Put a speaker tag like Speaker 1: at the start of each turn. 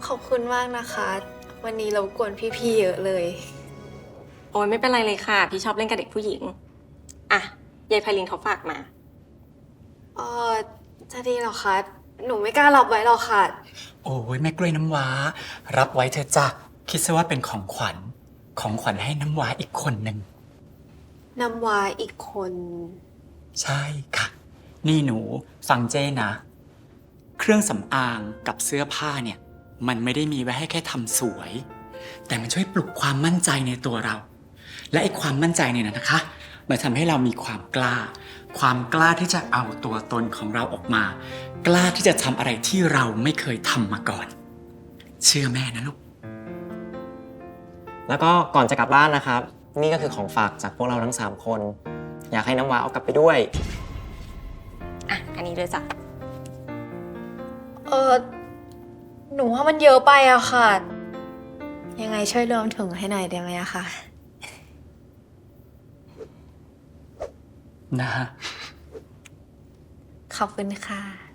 Speaker 1: อบคุณมากนะคะ วันนี้เรากวนพี่ๆเยอะเลย
Speaker 2: โอ้ยไม่เป็นไรเลยค่ะ พี่ชอบเล่นกับเด็กผู้หญิง อ่ะยายไพลินเขาฝากมา
Speaker 1: เออจะดีเหรอคะ หนูไม่กล้ารับไว้หรอกค่ะ
Speaker 3: โอ้ยแม่กล้วยน้ำว้า รับไว้เถอะจ้ะคิดซะว่าเป็นของขวัญ ของขวัญให้น้ำว้าอีกคนหนึ่ง
Speaker 1: น้ำว้าอีกคน
Speaker 3: ใช่ค่ะ นี่หนูฟังเจ้นะ เครื่องสำอางกับเสื้อผ้าเนี่ย มันไม่ได้มีไว้ให้แค่ทำสวย แต่มันช่วยปลุกความมั่นใจในตัวเรา และไอ้ความมั่นใจเนี่ยนะคะ มันทำให้เรามีความกล้า ความกล้าที่จะเอาตัวตนของเราออกมา กล้าที่จะทำอะไรที่เราไม่เคยทำมาก่อน เชื่อแม่นะลูก
Speaker 4: แล้วก็ก่อนจะกลับบ้านนะครับ นี่ก็คือของฝากจากพวกเราทั้ง3คนอยากให้น้ำว้าเอากลับไปด้วย
Speaker 2: อ่ะ อันนี้เลยจ้ะ
Speaker 1: หนูว่ามันเยอะไปอะค่ะ ยังไงช่วยรวมถึงให้หน่อยได้ไหมอะคะ
Speaker 3: นะฮะ
Speaker 1: ขอบคุณค่ะ